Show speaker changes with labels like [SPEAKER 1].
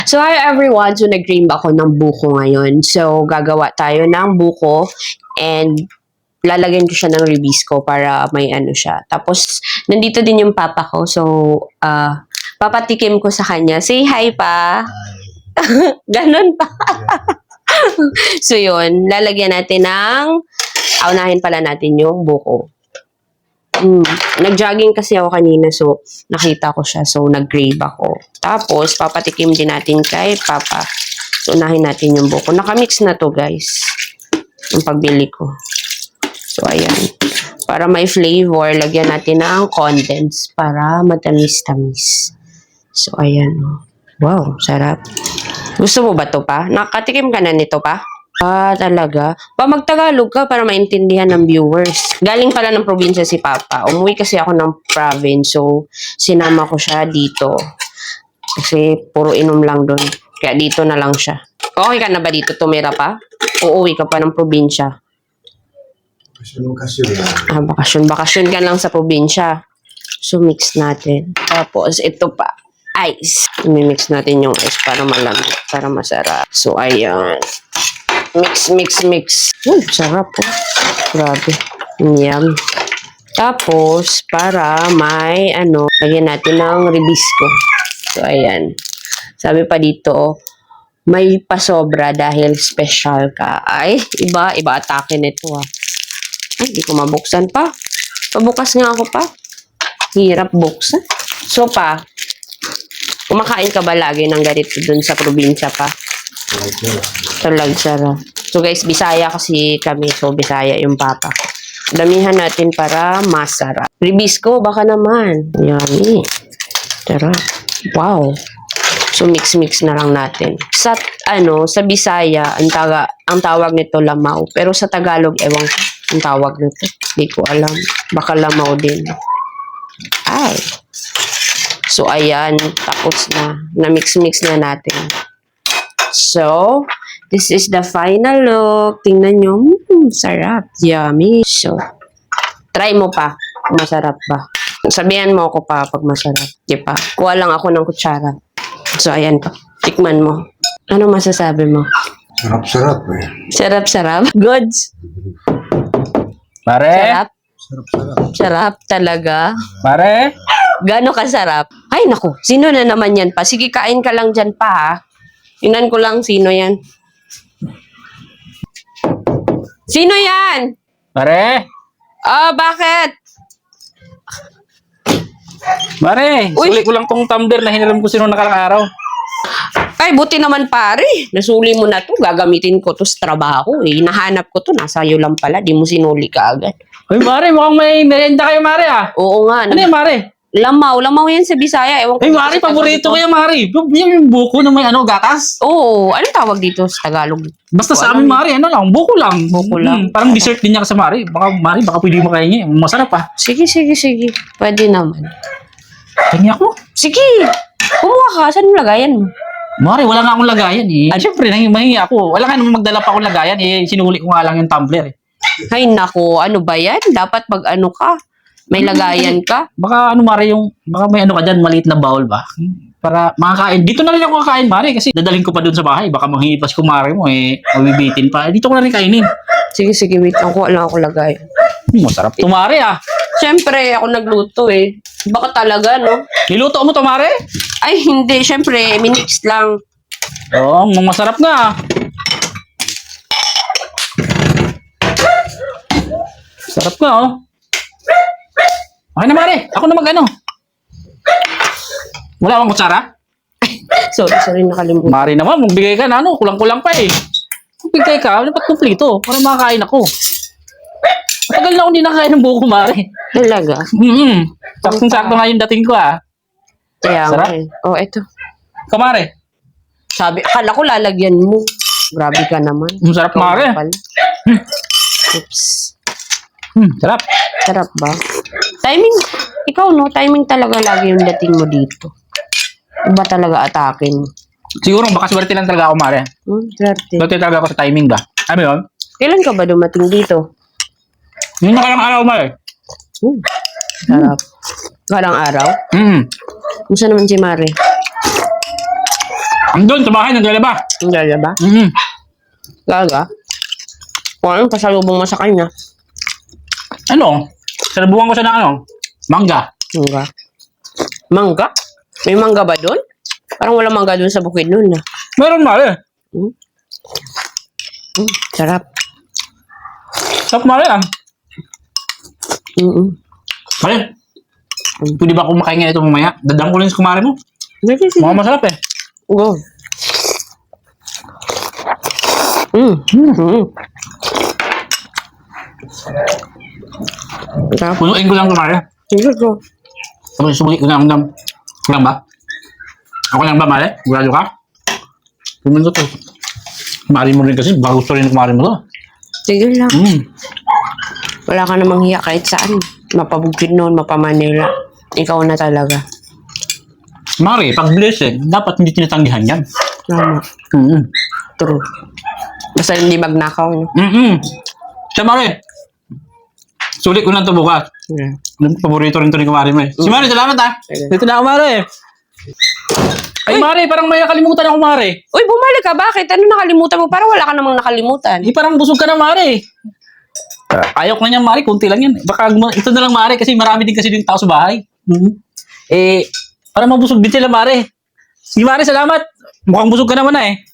[SPEAKER 1] So, hi everyone. So, nag-dream ako ng buko ngayon. So, gagawa tayo ng buko and lalagyan ko siya ng ribisco para may ano siya. Tapos, nandito din yung papa ko. So, papatikim ko sa kanya. Say hi pa. Ganon pa. So, yun. Lalagyan natin ng aunahin pala natin yung buko. Nag-jogging kasi ako kanina, so nakita ko siya, so nag-grave ako. Tapos, papatikim din natin kay Papa. So, unahin natin yung buko. Nakamix na to, guys. Yung pagbili ko. So, ayan. Para may flavor, lagyan natin ng condense para matamis-tamis. So, ayan. Wow, sarap. Gusto mo ba to pa? Nakatikim ka na nito pa? Talaga? Magtagalog ka para maintindihan ng viewers. Galing pala ng probinsya si Papa. Umuwi kasi ako ng province, so sinama ko siya dito. Kasi puro inom lang doon. Kaya dito na lang siya. Okay ka na ba dito? Tumira pa? Uuwi ka pa ng probinsya?
[SPEAKER 2] Bakasyon.
[SPEAKER 1] Bakasyon ka lang sa probinsya. So, mix natin. Tapos, ito pa. Ice. I-mix natin yung ice para malamig, para masarap. So, ayan. Mix. Sarap po. Grabe. Yum. Tapos, para may, lagyan natin ng ribisco. So, ayan. Sabi pa dito, may pasobra dahil special ka. Ay, iba atake nito ah. Ay, di ko mabuksan pa. Pabukas nga ako pa. Hirap buksan. So, kumakain ka ba lagi ng ganito dun sa probinsya pa? Talagsara. So guys, Bisaya kasi kami. So Bisaya yung papa. Damihan natin para masarap. Ribisco, baka naman. Yummy. Tara. Wow. So mix na lang natin. Sa Bisaya, ang tawag nito lamaw. Pero sa Tagalog, ewan ko ang tawag nito. Hindi ko alam. Baka lamaw din. Ay. So ayan, tapos na. Na-mix na natin. So, this is the final look. Tingnan nyo. Sarap. Yummy. So, try mo pa kung masarap ba. Sabihan mo ako pa pag masarap. Di pa. Kuha lang ako ng kutsara. So, ayan pa. Tikman mo. Ano masasabi mo?
[SPEAKER 2] Sarap eh.
[SPEAKER 1] Sarap. Goods.
[SPEAKER 3] Mare?
[SPEAKER 1] Sarap. Sarap talaga.
[SPEAKER 3] Mare?
[SPEAKER 1] Gano'n kasarap? Ay, naku. Sino na naman yan pa? Sige, kain ka lang dyan pa, ha? Tingnan ko lang sino yan. Sino yan?
[SPEAKER 3] Mare?
[SPEAKER 1] Bakit?
[SPEAKER 3] Mare,
[SPEAKER 1] Uy.
[SPEAKER 3] suli ko lang tong tumbler na hiniram ko sino nakalang araw.
[SPEAKER 1] Ay, buti naman pare. Nasuli mo na to. Gagamitin ko to sa trabaho. Nahanap ko to. Nasa iyo lang pala. Di mo sinuli ka agad.
[SPEAKER 3] Uy, Mare, mukhang may merienda kayo, Mare, ah.
[SPEAKER 1] Oo nga.
[SPEAKER 3] Ano yan, Mare?
[SPEAKER 1] Lamaw yan sa Bisaya. Ewan ko.
[SPEAKER 3] Uy, Mare, paborito ko yan, Mare. Yung buko na may gatas.
[SPEAKER 1] Oo. Anong tawag dito sa Tagalog?
[SPEAKER 3] Basta sa amin, Mare, buko lang.
[SPEAKER 1] Buko lang.
[SPEAKER 3] Parang dessert din niya kasi, Mare. Mare, baka pwede makain niya. Masarap, ah.
[SPEAKER 1] Sige. Pwede naman.
[SPEAKER 3] Kanya ako.
[SPEAKER 1] Sige. Kumuha ka. Saan mo lagayan mo?
[SPEAKER 3] Mare, wala nga akong lagayan, eh. Siyempre, mahingi ako. Wala nga naman magdala pa akong lagayan, eh. Sinuli ko nga lang yung tumbler, eh.
[SPEAKER 1] Ay, nako. Ano ba yan? Dapat pag ka. May lagayan ka.
[SPEAKER 3] Baka Mare, baka may ka dyan, maliit na bowl ba? Para makakain. Dito na rin ako kakain, Mare, kasi dadaling ko pa dun sa bahay. Baka manghingi pa si Kumare mo, mabibitin pa. Dito ko na rin kainin.
[SPEAKER 1] Sige, wait. Kuha lang ako lagayan.
[SPEAKER 3] Masarap to, Mare, ah.
[SPEAKER 1] Siyempre, ako nagluto eh. Baka talaga, no?
[SPEAKER 3] Niluto mo to, Mare?
[SPEAKER 1] Ay, hindi. Siyempre, minix lang.
[SPEAKER 3] Oo, masarap nga. Sarap nga, oh. Okay na, Mare. Ako na Wala akong kutsara?
[SPEAKER 1] Sorry, nakalimutan.
[SPEAKER 3] Mare naman, magbigay ka na, kulang-kulang pa, eh. Magbigay ka, dapat kumplito para makakain ako. Matagal na akong hindi nakakain ng buko, Mare.
[SPEAKER 1] Talaga?
[SPEAKER 3] Saktong-sakto nga yung dating ko, ah.
[SPEAKER 1] Kaya nga
[SPEAKER 3] Sarap.
[SPEAKER 1] eh. Oh, eto.
[SPEAKER 3] Kumare.
[SPEAKER 1] Sabi, akala ko lalagyan mo. Grabe ka naman.
[SPEAKER 3] Sarap,
[SPEAKER 1] Ikaw
[SPEAKER 3] Mare.
[SPEAKER 1] nga pala. Oops.
[SPEAKER 3] Sarap.
[SPEAKER 1] Sarap ba? Timing, ikaw no, timing talaga lagi yung dating mo dito. Iba talaga atakin mo.
[SPEAKER 3] Siguro, baka swerte lang talaga ako, Mare.
[SPEAKER 1] Swerte.
[SPEAKER 3] Swerte talaga ako sa timing ba? Ano yun?
[SPEAKER 1] Kailan ka ba dumating dito?
[SPEAKER 3] Yung nakalang araw, Mare.
[SPEAKER 1] Sarap. Karang araw? Kumusta naman si Mare?
[SPEAKER 3] Andun, sa bahay, naglalaba.
[SPEAKER 1] Hindi ba?
[SPEAKER 3] Mm.
[SPEAKER 1] Gaga. Kung anong pasalubong mo sa kanya.
[SPEAKER 3] Ano? Sinabuhan ko siya ng ano? Mangga.
[SPEAKER 1] Mangga. Mangga? May mangga ba doon? Parang wala mangga doon sa bukid noon.
[SPEAKER 3] Meron mare.
[SPEAKER 1] Sarap.
[SPEAKER 3] Sarap mare ah.
[SPEAKER 1] Mm-mm.
[SPEAKER 3] Mare. Pwede ba kumakain nga ito mamaya? Dadang ko lang sa kumare mo.
[SPEAKER 1] Sige, sige.
[SPEAKER 3] Mukhang masarap eh.
[SPEAKER 1] Go. Mm. Sarap.
[SPEAKER 3] Punuin ko lang kumare.
[SPEAKER 1] Sige, go.
[SPEAKER 3] Tapos sumuli ko na ang lang ba? Ako lang ba mare? Gurado ka? Pumunta to. Mari mo rin kasi. Baka gusto rin kumare mo to.
[SPEAKER 1] Sige lang.
[SPEAKER 3] Mm.
[SPEAKER 1] Wala ka namang hiya kahit saan. Mapabukid noon, mapamanila. Ikaw na talaga.
[SPEAKER 3] Mare, pag blessing, dapat hindi tinatanggihan yan.
[SPEAKER 1] Tama. True. Basta hindi magnakaw. No?
[SPEAKER 3] Siya Mare. Sulit ko na ito bukas.
[SPEAKER 1] Yeah.
[SPEAKER 3] Paborito rin ito ni Kumari mo eh. Si Mare, salamat ah.
[SPEAKER 1] Sige.
[SPEAKER 3] Dito na ako Mare. Ay Mare, parang may nakalimutan ako Mare.
[SPEAKER 1] Uy, bumalik ka. Bakit? Ano nakalimutan mo? Parang wala ka namang nakalimutan.
[SPEAKER 3] Eh parang busog ka na Mare. Ayok na niyan Mare, kunti lang yan. Baka ito na lang Mare kasi marami din kasi din tao sa bahay. Eh, para mabusog din sila Mare. Si Mare, salamat. Mukhang busog ka naman na eh.